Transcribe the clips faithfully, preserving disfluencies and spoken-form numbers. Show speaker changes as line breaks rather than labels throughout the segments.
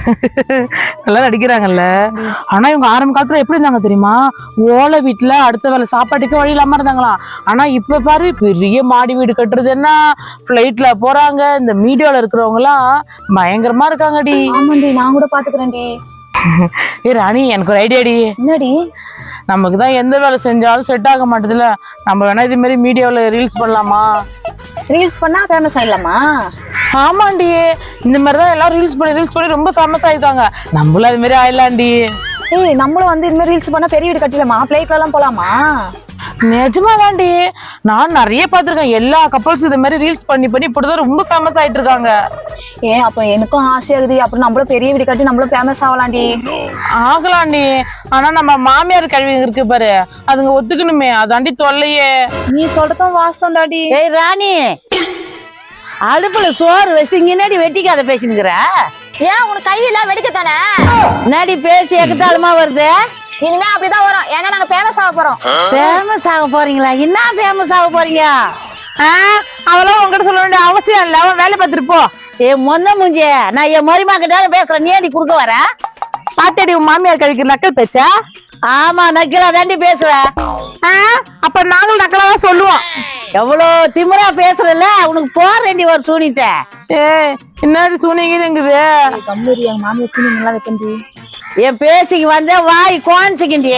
நல்லா நடிக்கிறாங்கல்ல. ஆனா இவங்க ஆரம்ப காலத்துல எப்படி இருந்தாங்க தெரியுமா? ஓலை வீட்டுல அடுத்த வேலை சாப்பாட்டுக்கு வழி இல்லாம இருந்தாங்களாம். ஆனா இப்ப பாரு, பெரிய மாடி வீடு கட்டுறது என்ன, பிளைட்ல போறாங்க. இந்த மீடியால இருக்கிறவங்க எல்லாம் பயங்கரமா இருக்காங்கடி.
ஆமாண்டி, நான் கூட பாத்துக்கிறேன்டி.
ஏ ராணி, எனக்கு ஒரு ஐடியாடி.
என்னடி?
நமக்கு தான் எந்த வேலை செஞ்சாலும் செட் ஆக மாட்டேதுல, நம்ம வேணா இது மாதிரி மீடியாவில் ரீல்ஸ் பண்ணலாமா?
ரீல்ஸ் பண்ணா ஃபேமஸ் ஆயிடலாமா?
ஆமாண்டி, இந்த மாதிரி தான் எல்லாரும் ரீல்ஸ் பண்ணி ரீல்ஸ் பண்ணி ரொம்ப ஃபேமஸ் ஆயிருக்காங்க. நம்மளும் அது மாதிரி ஆயிடலாண்டி.
ஏய், நம்மளும் வந்து இந்த மாதிரி ரீல்ஸ் பண்ணா பெரிய வீடு கட்டிடலாமா? பிளைட்ல எல்லாம் போலாமா?
நிஜமா தாண்டி, நான் நிறைய பார்த்திருக்கேன். எல்லா கப்பல்ஸ் இது மாதிரி ரீல்ஸ் பண்ணி பண்ணி இப்படிதான் ரொம்ப ஃபேமஸ் ஆயிட்டு இருக்காங்க.
ஏன் அப்ப எனக்கும் ஆசையாகுது. அப்புறம் நம்மளும் பெரிய வீடு கட்டி நம்மளும் ஃபேமஸ் ஆகலாண்டி.
ஆகலாண்டி. ஆனா நம்ம மாமியார் கல்வி இருக்கு பாரு, அதுங்க ஒத்துக்கணுமே, அதாண்டி தொல்லையே.
நீ சொல்றதும் வாஸ்தம் தாடி.
ஏய் ராணி, அடுப்புல சோறு வச்சு இங்கடி வெட்டிக்காத பேசினுக்கிற.
ஏன் உனக்கு கையில வெடிக்கத்தானே?
என்னடி பேசி எக்கத்தாலுமா வருது?
இனிமே அப்படிதான் வரும். ஏன்னா நாங்க ஃபேமஸ் ஆக போறோம்.
ஃபேமஸ் ஆக போறீங்களா? என்ன ஃபேமஸ் ஆக போறீங்க?
அவெல்லாம் உங்ககிட்ட சொல்ல வேண்டிய அவசியம் இல்ல, அவன் வேலை பார்த்துட்டு போ.
ஏ மொன்ன மூஞ்சி, நான் என் மருமா கிட்ட பேசுறேன், நீ அடி குறுக்க வர?
பாத்தடி உன் மாமியார் கழிக்கு நக்கல் பேச்சா?
ஆமா, நக்கலா தாண்டி பேசுவேன்.
அப்ப நாங்களும் நக்கலா தான் சொல்லுவோம்.
எவ்வளோ திமிரா பேசுறல, உனக்கு போறேன்டி ஒரு சூனித்த.
ஏ என்னடி சூனிங்குது?
கம்பெனி எங்க மாமியார் சீனிங் எல்லாம் வைக்கண்டி.
என் பேச்சுக்கு வந்த வாய் கோன்சிக்கிண்டி.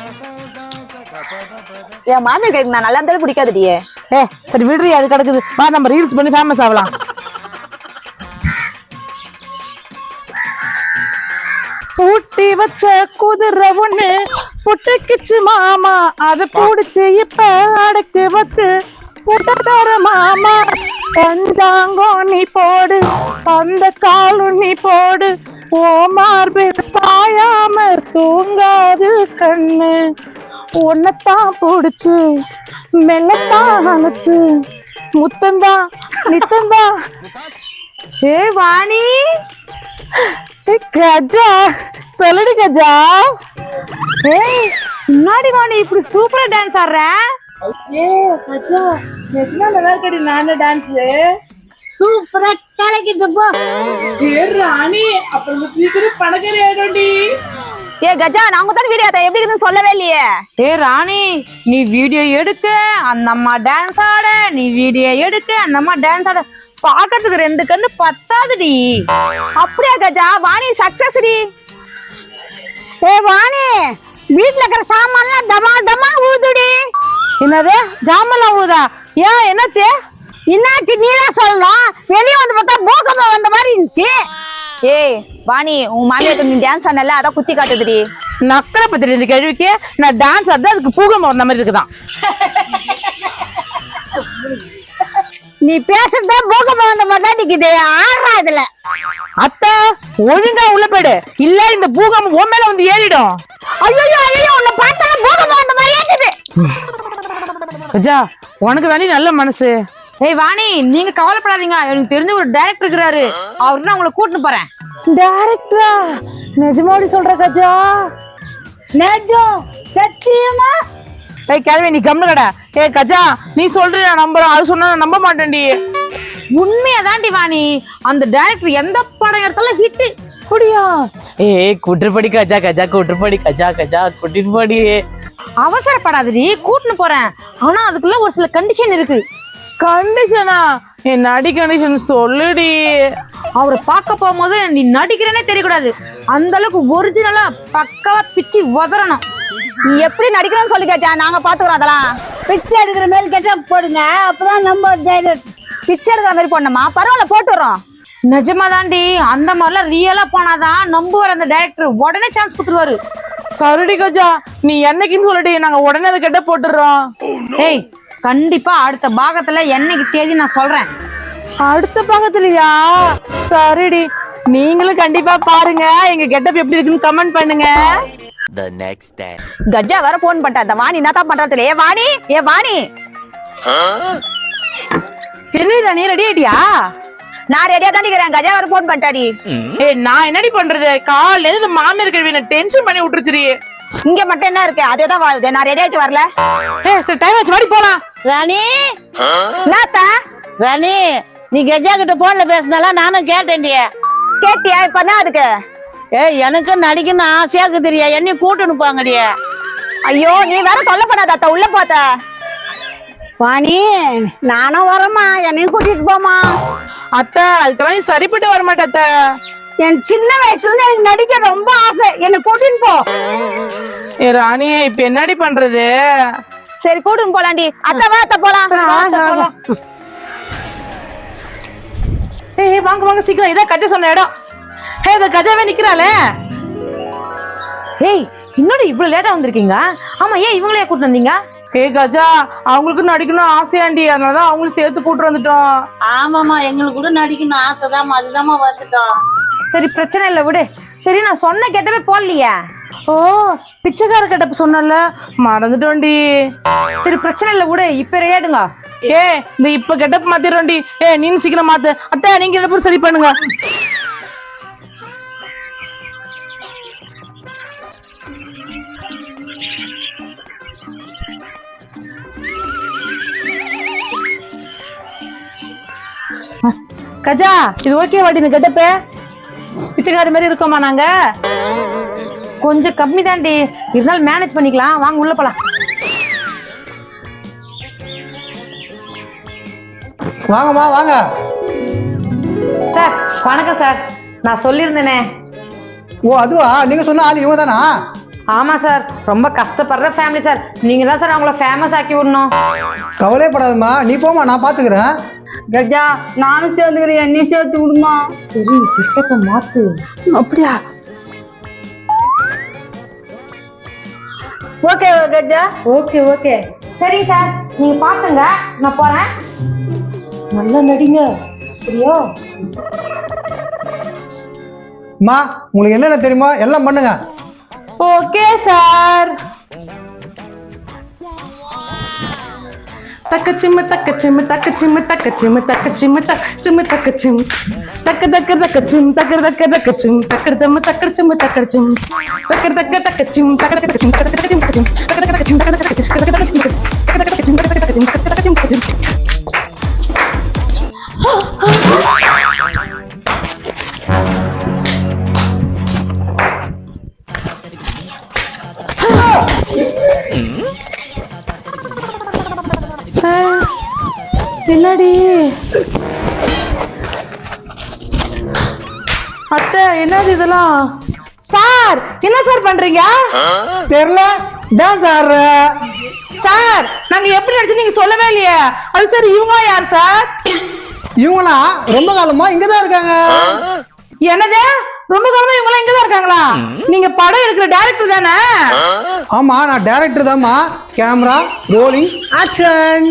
என் மாமியார் கைக்கு நான் நல்லா இருந்தாலும் பிடிக்காதுடியே.
ஏ சரி விடுறி, அது கிடக்குது. வா நம்ம ரீல்ஸ் பண்ணி ஃபேமஸ் ஆகலாம். பூட்டி வச்ச குதிரை ஒண்ணு புட்டுக்குச்சு மாமா, அதை பூடிச்சு இப்ப அடக்கு வச்சு புட்டக்கார மாமா. பஞ்சாங்கோ நீ போடு, அந்த காலும் நீ போடு, ஓ மார்பு சாயாம தூங்காது கண்ணு. உன்னத்தான் புடிச்சு மெல்லத்தான் அணைச்சு முத்தந்தான் நித்தந்தான். ஏ வாணி, கஜா சொல்லுடி கஜா.
ஏய், முன்னாடி வாணி இப்படி சூப்பரா டான்ஸ் ஆடுற.
ஏ கஜா, எத்தனை நல்லா இருக்கடி நானே டான்ஸ்.
சூப்பரா கலக்கிட்டு போ.
ஏ ராணி, அப்புறம் சீக்கிரம் பணக்காரி ஆயிடும்டி.
ஏ கஜா, நாங்க தான் வீடியோ எப்படி இருக்குன்னு சொல்லவே இல்லையே.
ஏ ராணி, நீ வீடியோ எடுக்க அந்த அம்மா டான்ஸ் ஆட, நீ வீடியோ எடுக்க அந்த அம்மா டான்ஸ் ஆட, பாக்கிறதுக்கு ரெண்டு கண்ணு பத்தாதுடி.
அப்படியா கஜா? வாணி சக்சஸ் டி.
ஏ வாணி, வீட்டுல இருக்கிற சாமான்லாம் டமா டமா ஊதுடி.
என்னது ஜாமெல்லாம் ஊதா? ஏன் என்னாச்சு?
என்னாச்சு நீதான் சொல்லணும். வெளியே வந்து பார்த்தா பூகம்பம் வந்த மாதிரி இருந்துச்சு.
ஏய் வாணி, உன் மாமியாருக்கு நீ டான்ஸ் ஆடல, அதான் குத்தி காட்டுதுடி.
நக்கலை பத்தி இந்த கேள்விக்கு நான் டான்ஸ் ஆடுறது அதுக்கு பூகம்பம் வந்த மாதிரி இருக்குதான்.
நீ பேசுறதா பூகம்பம் வந்த மாதிரி தான் நிக்குது. ஆடுறா இதுல.
அத்தை ஒழுங்கா உள்ள போயிடு, இல்ல இந்த பூகம்பம் உன் மேல வந்து ஏறிடும்.
ஐயோ ஐயோ, உன்னை பார்த்தா பூகம்பம் வந்த மாதிரி இருக்குது.
கஜா, உனக்கு தானே நல்ல மனசு.
ஏய் வாணி, நீங்க கவலைப்படாதீங்க, எனக்கு தெரிஞ்ச ஒரு டைரக்டர் இருக்கிறாரு, அவருக்கு நான் உங்களை கூட்டிட்டு போறேன்.
டைரக்டரா? நிஜமாடி சொல்ற கஜா?
நெஜம், சத்தியமா?
ஏய் கேள்வி, நீ கம்னு கடை. ஏ கஜா, நீ சொல்ற நான் நம்புறேன், அது சொன்னா நான் நம்ப மாட்டேன்டி.
உண்மையதாண்டி வாணி, அந்த டைரக்டர் எந்த படம் எடுத்தாலும் ஹிட்.
அப்படியா? ஏ கூட்டுப்படி கஜா, கஜா கூட்டுப்படி, கஜா கஜா கூட்டிட்டு.
அவசரப்படாதடி, கூட்டின்னு போறேன். ஆனா அதுக்குள்ள ஒரு சில கண்டிஷன் இருக்கு.
கண்டிஷனா? என் நடி கண்டிஷன் சொல்லுடி.
அவரை பார்க்க போகும்போது நீ நடிக்கிறேனே தெரியக்கூடாது, அந்த அளவுக்கு ஒரிஜினலா பக்காவா பிச்சு உதறணும்.
நீ எப்படி நடிக்கணும்னு சொல்லி கேட்டா, நாங்க பாத்துக்கிறோம் அதெல்லாம்.
பிச்சை எடுக்கிற மாதிரி கெட்டப் போடுங்க, அப்பதான் நம்ம
பிச்சை எடுக்கிற மாதிரி போடணுமா? பரவாயில்ல, போட்டுறோம்.
நிஜமா தாண்டி, அந்த மாதிரிலாம் ரியலா போனாதான் நம்புவார் அந்த டைரக்டர், உடனே சான்ஸ் கொடுத்துருவாரு.
சரிடி கஜா, நீ என்னைக்குன்னு சொல்லிட்டு நாங்க உடனே அதை கெட்ட போட்டுறோம்.
ஏய் கண்டிப்பா அடுத்த பாகத்துல என்னைக்கு தேதி நான் சொல்றேன்.
அடுத்த பாகத்துலயா? சரிடி, நீங்களும் கண்டிப்பா பாருங்க. எங்க கெட்டப் எப்படி இருக்குன்னு கமெண்ட் பண்ணுங்க.
The next day.
கஜா வேற போன் பண்ணிட்டா. இந்த வாணி என்ன தான் பண்றது? ஏ வாணி, ஏ வாணி,
என்ன நீ ரெடி ஆயிட்டியா?
நான் ரெடியா தான் இருக்கிறேன். கஜா வேற போன் பண்ணிட்டாடி.
ஏய் நான் என்னடி பண்றது? காலையில இருந்து மாமியார் கல்வி டென்ஷன் பண்ணி விட்டுருச்சுடி.
இங்க மட்டும் என்ன இருக்கு? அதேதான் வாழுது. நான் ரெடி ஆயிட்டு வரல.
ஏய் சரி, டைம் ஆச்சு, வாடி போலாம்.
ராணி,
நாத்தா
ராணி, நீ கஜா கிட்ட போன்ல பேசினால நானும் கேட்டேன்டிய.
கேட்டியா? இப்பதான் அதுக்கு
ஏய் எனக்கு நடிக்கணும் ஆசையாக்கு தெரியா என்னையும் கூட்டணும் போங்கடியே.
ஐயோ நீ வேற தொல்லை பண்ணாத அத்தை, உள்ள போத்த.
வாணி நானும் வரமா என்னையும் கூட்டிட்டு போமா.
அத்தை அதுக்கெல்லாம் நீ சரிப்பட்டு வர மாட்டே அத்தை.
என் சின்ன வயசுல இருந்து எனக்கு நடிக்க ரொம்ப ஆசை, என்னை கூட்டின்னு போ.
ஏ ராணி இப்ப என்னடி பண்றது?
சரி கூட்டின்னு போலாண்டி. அத்தை வா அத்தை போலாம்.
வாங்க, வாங்க.
ஏய் வாங்க வாங்க சீக்கிரம், இதான் கஜா சொன்ன இடம். ஹே இந்த கஜாவே நிக்கிறாளே.
ஏய் இன்னொரு இவ்வளவு லேட்டா வந்திருக்கீங்க? ஆமா ஏன் இவங்களே கூட்டு வந்தீங்க?
ஏ கஜா அவங்களுக்கு நடிக்கணும் ஆசையாண்டி, அதனாலதான் அவங்களும் சேர்த்து கூட்டு வந்துட்டோம்.
ஆமாமா எங்களுக்கு கூட நடிக்கணும் ஆசைதாம்மா, அதுதாம்மா வந்துட்டோம்.
சரி பிரச்சனை இல்லை விடு. சரி நான் சொன்ன கெட்டவே போடலையே.
ஓ பிச்சைக்கார கெட்டப்ப சொன்னல, மறந்துட்டோண்டி.
சரி பிரச்சனை இல்லை விடு, இப்ப ரெடியாடுங்க.
ஏ இந்த இப்ப கெட்டப் மாத்திரோண்டி. ஏ நீங்க சீக்கிரம் மாத்து. அத்தை நீங்க ரெண்டு பேரும் சரி பண்ணுங்க. கஜா இது ஓகே வாடி, இந்த கெட்டப்பே பிச்சைக்காரி மாதிரி இருக்கோமா நாங்க?
கொஞ்சம் கம்மி தாண்டி, இருந்தாலும் மேனேஜ் பண்ணிக்கலாம். வாங்க உள்ள போலாம்.
வாங்கம்மா வாங்க.
சார் வணக்கம் சார். நான் சொல்லியிருந்தேனே.
ஓ அதுவா, நீங்க சொன்ன ஆள் இவங்க தானா?
ஆமா சார், ரொம்ப கஷ்டப்படுற ஃபேமிலி சார். நீங்க தான் சார் அவங்கள ஃபேமஸ் ஆக்கி விடணும்.
கவலைப்படாதம்மா, நீ போமா, நான் பாத்துக்கிறேன்.
கஜா நானும் சேர்ந்துக்கிறேன், என்னையும் சேர்த்து விடுமா.
சரி கிட்டப்ப மாத்து.
அப்படியா?
ஓகே கஜா.
ஓகே ஓகே சரி சார், நீங்க பாத்துங்க, நான் போறேன். நல்லா நடிங்க சரியா?
அம்மா உங்களுக்கு என்னென்ன தெரியுமோ எல்லாம் பண்ணுங்க.
Okay sir. தக்கச்சிம்மு தக்கச்சிம்மு தக்கச்சிம்மு தக்கச்சிம்மு தக்கச்சிம்மு தக்கச்சிம்மு தக்கச்சிம் தக்க தக்க தக்கச்சிம் தக்க தக்க தக்கச்சிம் தக்கர் தம்மு தக்கர் சிம்மு தக்கர் சிம் தக்கர் தக்க தக்கச்சிம் தக்கர் தக்கச்சிம் தக்கர் தக்கச்சிம் தக்கர் தக்கச்சிம் தக்கர் தக்கச்சிம் தக்கர் தக்கச்சிம் தக்கர் தக்கச்சிம் தக்கர் தக்கச்சிம் தக்கர் தக்கச்சிம் தக்கர் தக்கச்சிம். என்னடி அத்தை என்னது இதெல்லாம்? சார் என்ன சார் பண்றீங்க?
தெரியல, டான்ஸ் ஆடுற.
சார் நாங்க எப்படி நடிச்சு நீங்க சொல்லவே இல்லையே. அது சரி இவங்க யார் சார்?
இவங்களா ரொம்ப காலமா இங்கதான் இருக்காங்க.
என்னது ரொம்ப காலமா இவங்க இங்கதான் இருக்காங்களா? நீங்க படம் எடுக்கிற டைரக்டர் தானே?
ஆமா நான் டைரக்டர் தான்மா. Camera rolling action.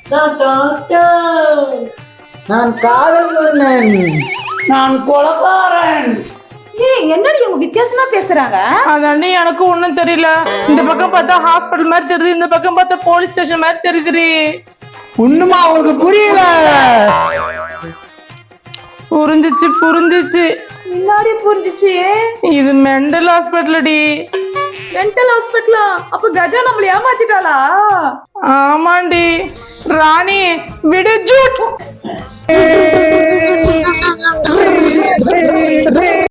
நான் காதல் மன்னன்.
நான் கொலகாரன்.
ஏய் என்னடி இவங்க வித்தியாசமா பேசுறாங்க?
அதானே எனக்கு ஒண்ணும் தெரியல. இந்த பக்கம் பார்த்தா ஹாஸ்பிடல் மாதிரி தெரியுது, இந்த பக்கம் பார்த்தா போலீஸ் ஸ்டேஷன் மாதிரி தெரியுது.
ஒண்ணுமா உங்களுக்கு புரியல?
புரிஞ்சிச்சு புரிஞ்சிச்சு.
முன்னாடி புரிஞ்சிச்சு.
இது மெண்டல் ஹாஸ்பிட்டலடி.
மென்டல் ஹாஸ்பிட்டலா? அப்ப கஜா நம்மள ஏமாத்திட்டாளா?
ஆமாண்டி. ராணி விடு ஜூட்.